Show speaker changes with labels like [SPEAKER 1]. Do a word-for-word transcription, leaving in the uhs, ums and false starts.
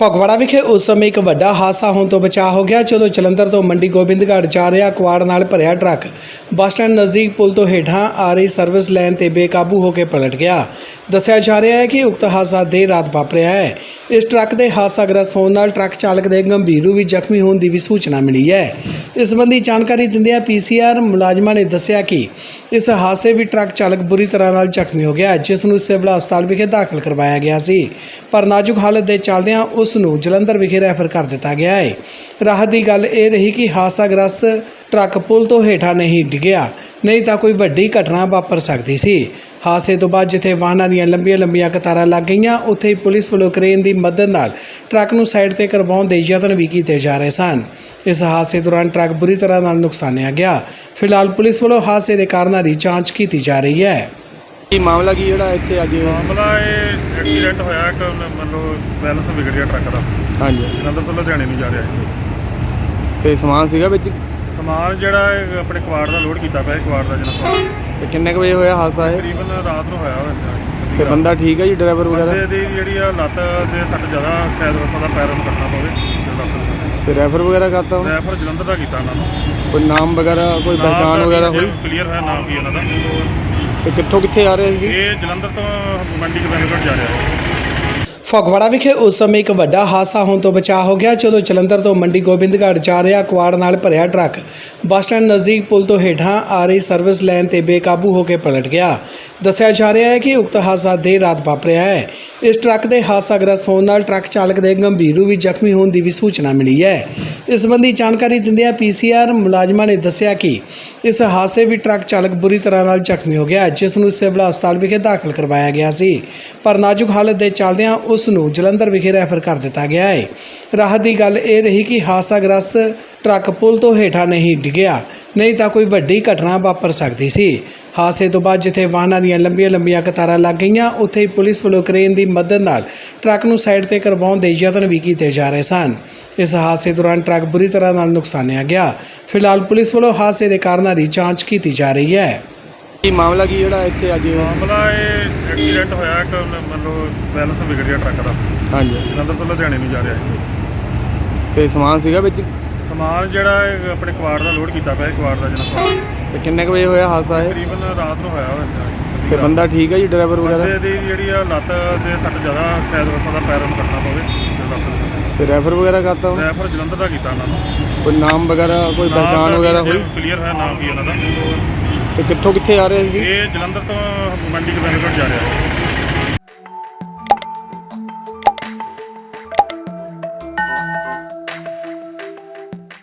[SPEAKER 1] ਫਗਵਾੜਾ ਵਿਖੇ ਉਸ ਸਮੇਂ ਇੱਕ ਵੱਡਾ ਹਾਦਸਾ ਹੋਣ ਤੋਂ ਬਚਾ ਹੋ ਗਿਆ ਜਦੋਂ ਜਲੰਧਰ ਤੋਂ ਮੰਡੀ ਗੋਬਿੰਦਗੜ੍ਹ ਜਾ ਰਿਹਾ ਕੁਆੜ ਨਾਲ ਭਰਿਆ ਟਰੱਕ ਬੱਸ ਸਟੈਂਡ ਨਜ਼ਦੀਕ ਪੁਲ ਤੋਂ ਹੇਠਾਂ ਆ ਰਹੀ ਸਰਵਿਸ ਲਾਈਨ ਤੇ ਬੇਕਾਬੂ ਹੋ ਕੇ ਪਲਟ ਗਿਆ। ਦੱਸਿਆ ਜਾ ਰਿਹਾ ਹੈ ਕਿ ਉਕਤ ਹਾਦਸਾ ਦੇਰ ਰਾਤ ਵਾਪਰਿਆ ਹੈ। ਇਸ ਟਰੱਕ ਦੇ ਹਾਦਸਾਗ੍ਰਸਤ ਹੋਣ ਨਾਲ ਟਰੱਕ ਚਾਲਕ ਦੇ ਗੰਭੀਰ ਰੂਪ ਵਿੱਚ ਜ਼ਖਮੀ ਹੋਣ ਦੀ ਵੀ ਸੂਚਨਾ ਮਿਲੀ ਹੈ। ਇਸ ਸੰਬੰਧੀ ਜਾਣਕਾਰੀ ਦਿੰਦਿਆਂ ਪੀਸੀਆਰ ਮੁਲਾਜ਼ਮਾਂ ਨੇ ਦੱਸਿਆ ਕਿ ਇਸ ਹਾਦਸੇ ਵਿੱਚ ਟਰੱਕ ਚਾਲਕ ਬੁਰੀ ਤਰ੍ਹਾਂ ਨਾਲ ਜ਼ਖਮੀ ਹੋ ਗਿਆ, ਜਿਸ ਨੂੰ ਸਿਵਲ ਹਸਪਤਾਲ ਵਿਖੇ ਦਾਖਲ ਕਰਵਾਇਆ ਗਿਆ ਸੀ, ਪਰ ਨਾਜ਼ੁਕ ਹਾਲਤ ਦੇ ਚੱਲਦਿਆਂ ਉਸ ਨੂੰ ਜਲੰਧਰ ਵਿਖੇ ਰੈਫਰ ਕਰ ਦਿੱਤਾ ਗਿਆ ਹੈ। ਰਾਹਤ ਦੀ ਗੱਲ ਇਹ ਰਹੀ ਕਿ ਹਾਦਸਾਗ੍ਰਸਤ ਟਰੱਕ ਪੁਲ ਤੋਂ ਹੇਠਾਂ ਨਹੀਂ ਡਿੱਗਿਆ, ਨਹੀਂ ਤਾਂ ਕੋਈ ਵੱਡੀ ਘਟਨਾ ਵਾਪਰ ਸਕਦੀ ਸੀ। ਹਾਦਸੇ ਤੋਂ ਬਾਅਦ ਜਿੱਥੇ ਵਾਹਨਾਂ ਦੀਆਂ ਲੰਬੀਆਂ ਲੰਬੀਆਂ ਕਤਾਰਾਂ ਲੱਗ ਗਈਆਂ, ਉੱਥੇ ਹੀ ਪੁਲਿਸ ਵੱਲੋਂ ਕ੍ਰੇਨ ਦੀ ਮਦਦ ਨਾਲ ਟਰੱਕ ਨੂੰ ਸਾਈਡ ਤੇ ਕਰਵਾਉਣ ਦੇ ਯਤਨ ਵੀ ਕੀਤੇ ਜਾ ਰਹੇ ਸਨ। ਇਸ ਹਾਦਸੇ ਦੌਰਾਨ ਟਰੱਕ ਬੁਰੀ ਤਰ੍ਹਾਂ ਨਾਲ ਨੁਕਸਾਨਿਆ ਗਿਆ। ਫਿਲਹਾਲ ਪੁਲਿਸ ਵੱਲੋਂ ਹਾਦਸੇ ਦੇ ਕਾਰਨਾਂ ਦੀ ਜਾਂਚ ਕੀਤੀ ਜਾ ਰਹੀ ਹੈ।
[SPEAKER 2] ਕੀ ਮਾਮਲਾ ਕੀ ਜਿਹੜਾ ਇੱਥੇ ਅੱਜ
[SPEAKER 3] ਮਾਮਲਾ ਇਹ ਐਕਸੀਡੈਂਟ ਹੋਇਆ ਇੱਕ ਮਤਲਬ ਬੈਲੈਂਸ ਵਿਗੜ ਗਿਆ ਟਰੱਕ ਦਾ।
[SPEAKER 2] ਹਾਂਜੀ,
[SPEAKER 3] ਜਲੰਧਰ ਤੋਂ ਲੁਧਿਆਣੇ ਨੂੰ ਜਾ ਰਿਹਾ ਸੀ।
[SPEAKER 2] ਤੇ ਸਮਾਨ ਸੀਗਾ ਵਿੱਚ?
[SPEAKER 3] ਸਮਾਨ ਜਿਹੜਾ ਇਹ ਆਪਣੇ ਕੁਆੜ ਦਾ ਲੋਡ ਕੀਤਾ ਪਿਆ, ਕੁਆੜ ਦਾ ਜਿਹੜਾ ਸਮਾਨ।
[SPEAKER 2] ਤੇ ਕਿੰਨੇ ਕੁ ਵਜੇ ਹੋਇਆ ਹਾਦਸਾ ਇਹ?
[SPEAKER 3] ਤਕਰੀਬਨ ਰਾਤ ਨੂੰ ਹੋਇਆ ਹੋਇਆ।
[SPEAKER 2] ਤੇ ਬੰਦਾ ਠੀਕ ਹੈ ਜੀ, ਡਰਾਈਵਰ ਵਗੈਰਾ?
[SPEAKER 3] ਬੰਦੇ ਦੀ ਜਿਹੜੀ ਆ ਲੱਤ ਦੇ ਸੱਟ ਜ਼ਿਆਦਾ, ਸ਼ਾਇਦ ਉਸ ਦਾ ਪੈਰ ਨੂੰ ਕੱਟਣਾ ਪਵੇ।
[SPEAKER 2] ਤੇ ਰੈਫਰ ਵਗੈਰਾ ਕਰਤਾ ਉਹ?
[SPEAKER 3] ਰੈਫਰ ਜਲੰਧਰ ਦਾ ਕੀਤਾ ਉਹਨਾਂ ਨੂੰ।
[SPEAKER 2] ਕੋਈ ਨਾਮ ਵਗੈਰਾ, ਕੋਈ ਪਹਿਚਾਣ ਵਗੈਰਾ ਹੋਈ?
[SPEAKER 3] ਕਲੀਅਰ ਹੈ ਨਾਮ ਕੀ ਉਹਨਾਂ ਦਾ।
[SPEAKER 2] ਤੇ ਕਿੱਥੋਂ ਕਿੱਥੇ ਆ ਰਹੇ ਸੀ?
[SPEAKER 3] ਇਹ ਜਲੰਧਰ ਤੋਂ ਮੰਡੀ ਗੋਬਿੰਦਗੜ੍ਹ ਜਾ ਰਿਹਾ ਹੈ।
[SPEAKER 1] ਫਗਵਾੜਾ ਵਿਖੇ ਉਸ ਸਮੇਂ ਇੱਕ ਵੱਡਾ ਹਾਦਸਾ ਹੋਣ ਤੋਂ ਬਚਾ ਹੋ ਗਿਆ ਜਦੋਂ ਜਲੰਧਰ ਤੋਂ ਮੰਡੀ ਗੋਬਿੰਦਗੜ੍ਹ ਜਾ ਰਿਹਾ ਕੁਆੜ ਨਾਲ ਭਰਿਆ ਟਰੱਕ ਬੱਸ ਸਟੈਂਡ ਨਜ਼ਦੀਕ ਪੁਲ ਤੋਂ ਹੇਠਾਂ ਆ ਰਹੀ ਸਰਵਿਸ ਲਾਈਨ ਤੇ ਬੇਕਾਬੂ ਹੋ ਕੇ ਪਲਟ ਗਿਆ। ਦੱਸਿਆ ਜਾ ਰਿਹਾ ਹੈ ਕਿ ਉਕਤ ਹਾਦਸਾ ਦੇਰ ਰਾਤ ਵਾਪਰਿਆ ਹੈ। ਇਸ ਟਰੱਕ ਦੇ ਹਾਦਸਾਗ੍ਰਸਤ ਹੋਣ ਨਾਲ ਟਰੱਕ ਚਾਲਕ ਦੇ ਗੰਭੀਰ ਰੂਪ ਵਿੱਚ ਜ਼ਖਮੀ ਹੋਣ ਦੀ ਵੀ ਸੂਚਨਾ ਮਿਲੀ ਹੈ। ਇਸ ਸੰਬੰਧੀ ਜਾਣਕਾਰੀ ਦਿੰਦਿਆਂ ਪੀਸੀਆਰ ਮੁਲਾਜ਼ਮਾਂ ਨੇ ਦੱਸਿਆ ਕਿ ਇਸ ਹਾਦਸੇ ਵਿੱਚ ਟਰੱਕ ਚਾਲਕ ਬੁਰੀ ਤਰ੍ਹਾਂ ਨਾਲ ਜ਼ਖਮੀ ਹੋ ਗਿਆ, ਜਿਸ ਨੂੰ ਸਿਵਲ ਹਸਪਤਾਲ ਵਿਖੇ ਦਾਖਲ ਕਰਵਾਇਆ ਗਿਆ ਸੀ, ਪਰ ਨਾਜ਼ੁਕ ਹਾਲਤ ਦੇ ਚੱਲਦਿਆਂ ਉਸ ਨੂੰ ਜਲੰਧਰ ਵਿਖੇ ਰੈਫਰ ਕਰ ਦਿੱਤਾ ਗਿਆ ਹੈ। ਰਾਹਤ ਦੀ ਗੱਲ ਇਹ ਰਹੀ ਕਿ ਹਾਦਸਾਗ੍ਰਸਤ ਟਰੱਕ ਪੁਲ ਤੋਂ ਹੇਠਾਂ ਨਹੀਂ ਡਿੱਗਿਆ, ਨਹੀਂ ਤਾਂ ਕੋਈ ਵੱਡੀ ਘਟਨਾ ਵਾਪਰ ਸਕਦੀ ਸੀ। ਹਾਦਸੇ ਤੋਂ ਬਾਅਦ ਜਿੱਥੇ ਵਾਹਨਾਂ ਦੀਆਂ ਲੰਬੀਆਂ ਲੰਬੀਆਂ ਕਤਾਰਾਂ ਲੱਗ ਗਈਆਂ, ਉੱਥੇ ਹੀ ਪੁਲਿਸ ਵੱਲੋਂ ਕ੍ਰੇਨ ਦੀ ਮਦਦ ਨਾਲ ਟਰੱਕ ਨੂੰ ਸਾਈਡ ਤੇ ਕਰਵਾਉਣ ਦੇ ਯਤਨ ਵੀ ਕੀਤੇ ਜਾ ਰਹੇ ਸਨ। ਇਸ ਹਾਦਸੇ ਦੌਰਾਨ ਟਰੱਕ ਬੁਰੀ ਤਰ੍ਹਾਂ ਨਾਲ ਨੁਕਸਾਨਿਆ ਗਿਆ। ਫਿਲਹਾਲ ਪੁਲਿਸ ਵੱਲੋਂ ਹਾਦਸੇ ਦੇ ਕਾਰਨਾਂ ਦੀ ਜਾਂਚ ਕੀਤੀ ਜਾ ਰਹੀ ਹੈ।
[SPEAKER 2] ਕੀ ਮਾਮਲਾ ਕੀ ਜਿਹੜਾ ਇੱਥੇ ਅੱਜ
[SPEAKER 3] ਮਾਮਲਾ ਇਹ ਐਕਸੀਡੈਂਟ ਹੋਇਆ ਇੱਕ ਮਤਲਬ ਬੈਲੈਂਸ ਵਿਗੜ ਗਿਆ ਟਰੱਕ ਦਾ।
[SPEAKER 2] ਹਾਂਜੀ,
[SPEAKER 3] ਜਲੰਧਰ ਤੋਂ ਲੁਧਿਆਣੇ ਨੂੰ ਜਾ ਰਿਹਾ ਸੀ।
[SPEAKER 2] ਤੇ ਸਮਾਨ ਸੀਗਾ ਵਿੱਚ?
[SPEAKER 3] ਸਮਾਨ ਜਿਹੜਾ ਇਹ ਆਪਣੇ ਕੁਆੜ ਦਾ ਲੋਡ ਕੀਤਾ ਪਿਆ, ਕੁਆੜ ਦਾ ਜਿਹੜਾ ਸਮਾਨ।
[SPEAKER 2] ਤੇ ਕਿੰਨੇ ਕੁ ਵਜੇ ਹੋਇਆ ਹਾਦਸਾ ਇਹ?
[SPEAKER 3] ਤਕਰੀਬਨ ਰਾਤ ਨੂੰ ਹੋਇਆ ਹੋਇਆ।
[SPEAKER 2] ਤੇ ਬੰਦਾ ਠੀਕ ਹੈ ਜੀ, ਡਰਾਈਵਰ ਵਗੈਰਾ?
[SPEAKER 3] ਬੰਦੇ ਦੀ ਜਿਹੜੀ ਆ ਲੱਤ ਦੇ ਸੱਟ ਜ਼ਿਆਦਾ, ਸ਼ਾਇਦ ਉਸ ਦਾ ਪੈਰ ਨੂੰ ਕੱਟਣਾ ਪਵੇ।
[SPEAKER 2] ਤੇ ਰੈਫਰ ਵਗੈਰਾ ਕਰਤਾ ਉਹ?
[SPEAKER 3] ਰੈਫਰ ਜਲੰਧਰ ਦਾ ਕੀਤਾ ਉਹਨਾਂ ਨੂੰ।
[SPEAKER 2] ਕੋਈ ਨਾਮ ਵਗੈਰਾ, ਕੋਈ ਪਹਿਚਾਣ ਵਗੈਰਾ ਹੋਈ?
[SPEAKER 3] ਕਲੀਅਰ ਹੈ ਨਾਮ ਕੀ ਉਹਨਾਂ ਦਾ।
[SPEAKER 2] ਤੇ ਕਿੱਥੋਂ ਕਿੱਥੇ ਆ ਰਹੇ ਸੀ?
[SPEAKER 3] ਇਹ ਜਲੰਧਰ ਤੋਂ ਮੰਡੀ ਗੋਬਿੰਦਗੜ੍ਹ ਜਾ ਰਿਹਾ ਹੈ।